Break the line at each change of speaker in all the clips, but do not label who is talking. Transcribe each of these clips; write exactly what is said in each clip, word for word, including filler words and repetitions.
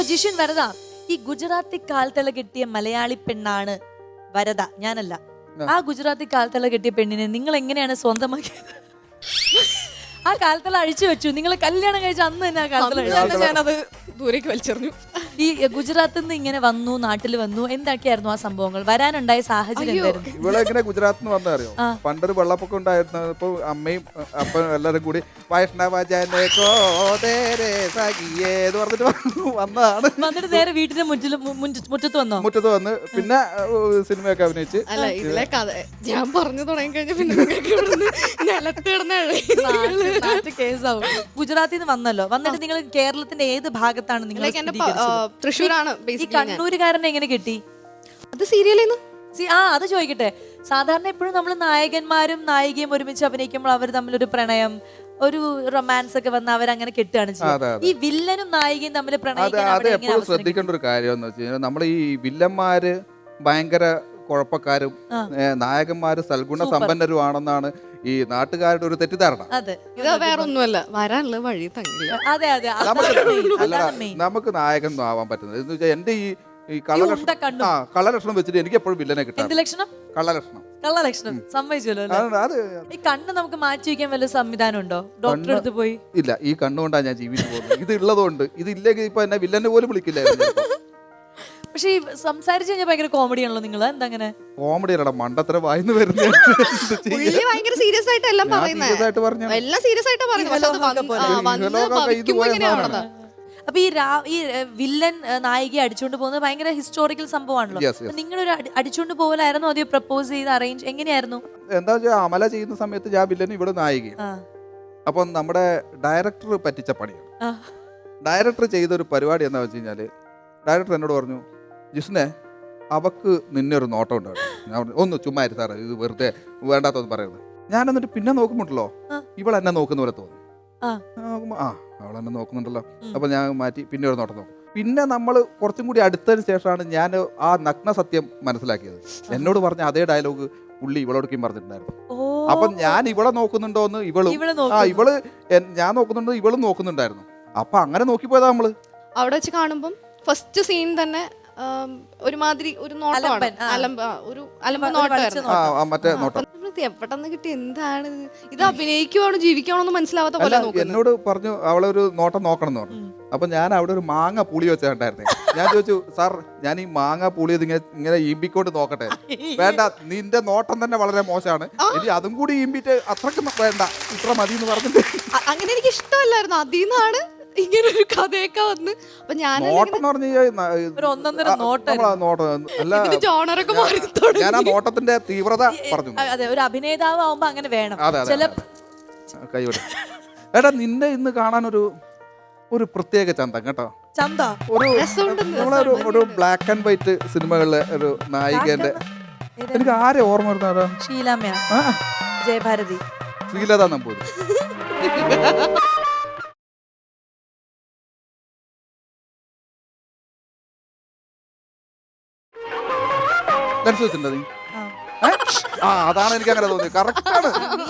ജിഷിൻ വരദ, ഈ ഗുജറാത്തി കാൽത്തള കെട്ടിയ മലയാളി പെണ്ണാണ് വരദ, ഞാനല്ല. ആ ഗുജറാത്തി കാൽത്തള കെട്ടിയ പെണ്ണിനെ നിങ്ങൾ എങ്ങനെയാണ് സ്വന്തമാക്കിയത്? ആ കാൽത്തള അഴിച്ചു വെച്ചു, നിങ്ങൾ കല്യാണം കഴിച്ച അന്ന് തന്നെ ആ കാൽത്തള
ഞാനത് ദൂരേക്ക് വലിച്ചെറിഞ്ഞു.
ഈ ഗുജറാത്തിൽ നിന്ന് ഇങ്ങനെ വന്നു, നാട്ടിൽ വന്നു, എന്തൊക്കെയായിരുന്നു ആ സംഭവങ്ങൾ? വരാനുണ്ടായ സാഹചര്യം എന്തായിരുന്നു?
ഇവിടെ എങ്ങനെ ഗുജറാത്തിൽ നിന്ന് വന്ന അറിയോ? പണ്ടൊരു വെള്ളപ്പൊക്കം ഉണ്ടായിരുന്നപ്പോ അമ്മയും അപ്പനും എല്ലാരും കൂടി വൈഷ്ണവജനെ കോതേരെ സഖിയേന്ന് പറഞ്ഞിട്ട് വന്നതാണ്.
വന്നിട്ട് നേരെ വീട്ടിന്റെ മുറ്റിൽ മുറ്റത്ത് വന്നോ?
മുറ്റത്ത് വന്ന് പിന്നെ സിനിമയൊക്കെ അഭിനയിച്ച്.
അല്ല, ഇതിലെ കഥ ഞാൻ പറഞ്ഞു തുടങ്ങി കഴിഞ്ഞാൽ പിന്നെ നിലത്ത് കിടന്ന
കേസാവും. ഗുജറാത്തിൽ നിന്ന് വന്നല്ലോ, വന്നിട്ട് നിങ്ങൾ കേരളത്തിന്റെ ഏത് ഭാഗത്താണ് നിങ്ങൾ?
തൃശ്ശൂരാണ്.
ഈ കണ്ണൂരുകാരനെ എങ്ങനെ കിട്ടി?
അത് സീരിയലിൽ നിന്ന്.
ആ അത് ചോദിക്കട്ടെ, സാധാരണ എപ്പോഴും നമ്മൾ നായകന്മാരും നായികയും ഒരുമിച്ച് അഭിനയിക്കുമ്പോൾ അവർ തമ്മിലൊരു പ്രണയം, ഒരു റൊമാൻസ് ഒക്കെ വന്ന് അവരങ്ങനെ കെട്ടുകയാണ് ചെയ്യുന്നത്. ഈ വില്ലനും നായികയും തമ്മിൽ
എപ്പോഴും ശ്രദ്ധിക്കേണ്ട ഒരു കാര്യം എന്ന് വെച്ച് കഴിഞ്ഞാൽ, നമ്മൾ ഈ വില്ലന്മാര് ഭയങ്കര കുഴപ്പക്കാരും നായകന്മാര് സൽഗുണ സമ്പന്നരുമാണെന്നാണ് ഈ നാട്ടുകാരുടെ ഒരു തെറ്റിദ്ധാരണ.
ഇത് വേറെ ഒന്നുമല്ല, വരാനുള്ള വഴി തങ്ങില്ല.
അതെ അതെ,
നമുക്ക് നായകൻ ആവാൻ പറ്റുന്നത് എന്ന് വെച്ചാൽ എന്റെ ഈ ഈ കളലക്ഷണം ആ കളലക്ഷണം വെച്ചിട്ട് എനിക്ക് എപ്പോഴും വില്ലനെ കിട്ടാം.
ലക്ഷണം
കള്ളലക്ഷണം
കള്ളലക്ഷണം സമ്മതിച്ചല്ലോ.
അത്
ഈ കണ്ണ് നമുക്ക് മാറ്റി വയ്ക്കാൻ വല്ല സംവിധാനം ഉണ്ടോ? ഡോക്ടറെ അടുത്ത് പോയി?
ഇല്ല, ഈ കണ്ണുകൊണ്ടാണ് ഞാൻ ജീവിച്ചു പോകുന്നത്. ഇത് ഉള്ളതുകൊണ്ട്, ഇത് ഇല്ലെങ്കിൽ ഇപ്പൊ എന്നെ വില്ലനെ പോലും വിളിക്കില്ലായിരുന്നു.
പക്ഷെ ഈ സംസാരിച്ചു കഴിഞ്ഞാൽ ഭയങ്കര കോമഡി ആണല്ലോ നിങ്ങൾ. എന്താ അങ്ങനെ
കോമഡി അല്ലടാ, മണ്ടത്തര വായിന്ന് വരുന്നത്.
ഭയങ്കര സീരിയസ് ആയിട്ട് എല്ലാം പറയുന്നത്, എല്ലാം സീരിയസ് ആയിട്ട് പറയുന്നത്.
അപ്പൊ ഈ ഈ വില്ലൻ നായികയെ അടിച്ചുകൊണ്ട് പോകുന്നത് ഭയങ്കര ഹിസ്റ്റോറിക്കൽ സംഭവമാണല്ലോ. നിങ്ങളൊരു അടിച്ചുകൊണ്ട് പോകലായിരുന്നു അതോ പ്രപ്പോസ് ചെയ്ത് അറേഞ്ച് എങ്ങനെയായിരുന്നു?
എന്താ വെച്ചാൽ അമല ചെയ്യുന്ന സമയത്ത് ഞാൻ വില്ലൻ, ഇവിടെ നായിക. അപ്പം നമ്മുടെ ഡയറക്ടർ പറ്റിച്ച പണിയാണ്. ഡയറക്ടർ ചെയ്തൊരു പരിപാടി എന്താ വെച്ച് കഴിഞ്ഞാല്, ഡയറക്ടർ എന്നോട് പറഞ്ഞു, ജിഷ്ണെ അവക്ക് നിന്നെ ഒരു നോട്ടം ഉണ്ടായിരുന്നു. ഞാൻ പറഞ്ഞു ഒന്ന് ചുമ്മാ സാറേ, ഇത് വെറുതെ വേണ്ടാത്തൊന്നും പറയുന്നത്. ഞാൻ എന്നിട്ട് പിന്നെ നോക്കുമ്പോണ്ടല്ലോ ഇവൾ എന്നെ നോക്കുന്ന പോലെ തോന്നി. ആ അവൾ എന്നെ നോക്കുന്നുണ്ടല്ലോ. അപ്പൊ ഞാൻ മാറ്റി പിന്നെ ഒരു നോട്ടം നോക്കും. പിന്നെ നമ്മൾ കുറച്ചും കൂടി അടുത്തതിന് ശേഷമാണ് ഞാൻ ആ നഗ്ന സത്യം മനസ്സിലാക്കിയത്. എന്നോട് പറഞ്ഞ അതേ ഡയലോഗ് പുള്ളി ഇവളോടൊക്കെയും പറഞ്ഞിട്ടുണ്ടായിരുന്നു. അപ്പൊ ഞാൻ ഇവളെ നോക്കുന്നുണ്ടോന്ന് ഇവളും ആ ഇവള് ഞാൻ നോക്കുന്നുണ്ടോ ഇവളും നോക്കുന്നുണ്ടായിരുന്നു. അപ്പൊ അങ്ങനെ നോക്കിപ്പോയതാ നമ്മള്.
അവിടെ വെച്ച് കാണുമ്പം ഫസ്റ്റ് സീൻ തന്നെ ഒരുമാതിരി ഒരു നോട്ടമാണ്, അലമ്പ ഒരു അലമ്പ നോട്ടമായിരുന്നു. എവിടെന്ന് കിട്ടി, എന്താണ് ഇത്, അഭിനയിക്കുവാണോ ജീവിക്കുവാണോ എന്ന് മനസ്സിലാവാത്ത പോലെ
എന്നോട് പറഞ്ഞു അവളെ ഒരു നോട്ടം നോക്കണം എന്ന് പറഞ്ഞു. അപ്പൊ ഞാൻ അവിടെ ഒരു മാങ്ങ പുളി വെച്ചിട്ടുണ്ടായിരുന്നേ. ഞാൻ ചോദിച്ചു, സാർ ഞാൻ ഈ മാങ്ങ പുളി ഇങ്ങനെ ഇങ്ങനെ ഈമ്പിക്കൊണ്ട് നോക്കട്ടെ? വേണ്ട, നിന്റെ നോട്ടം തന്നെ വളരെ മോശമാണ്, ഇനി അതും കൂടി ഈമ്പിട്ട് അത്രക്കും വേണ്ട, ഇത്ര മതി എന്ന് പറഞ്ഞിട്ട്.
അങ്ങനെ എനിക്ക് ഇഷ്ടമല്ലായിരുന്നു. അതിന്നാണ് ഇങ്ങനെ ഒരു കഥയൊക്കെ വന്ന്. അപ്പൊ ഞാൻ
ഞാൻ ആ നോട്ടത്തിന്റെ തീവ്രത പറഞ്ഞു.
അതെ, ഒരു അഭിനേതാവ് ആവുമ്പോ അങ്ങനെ വേണം.
കൈവിടും. എടാ, നിന്നെ ഇന്ന് കാണാൻ ഒരു ഒരു പ്രത്യേക ചന്തം കേട്ടോ.
ചന്ത
ഒരു നമ്മളൊരു ഒരു ബ്ലാക്ക് ആൻഡ് വൈറ്റ് സിനിമകളിലെ ഒരു നായികന്റെ, എനിക്ക് ആരെ ഓർമ്മ വരുന്ന,
ഷീലാമ്മ, ജയഭാരതി,
ശ്രീലത നമ്പൂതിരി. അതാണ് എനിക്ക് അങ്ങനെ തോന്നിയത്. കറക്റ്റാണ്.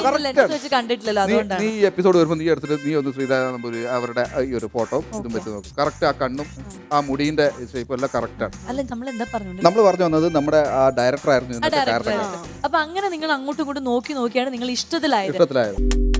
നീ ഈ എപ്പിസോഡ് വരുമ്പോൾ നീ എടുത്തിട്ട് നീ ഒന്ന് ശ്രീരാജ നമ്പൂരി അവരുടെ ഈ ഒരു ഫോട്ടോ ഇതും വെച്ച് നോക്കും. കറക്റ്റ് ആ കണ്ണും ആ മുടിന്റെ ഷേപ്പും എല്ലാം കറക്റ്റാണ്. നമ്മൾ പറഞ്ഞു വന്നത് നമ്മുടെ ആ ഡയറക്ടർ ആയിരുന്നു.
അപ്പൊ അങ്ങനെ നിങ്ങൾ അങ്ങോട്ടും ഇങ്ങോട്ടും നോക്കി നോക്കിയാണ് നിങ്ങൾ ഇഷ്ടത്തിലായത്.
ഇഷ്ടത്തിലായത്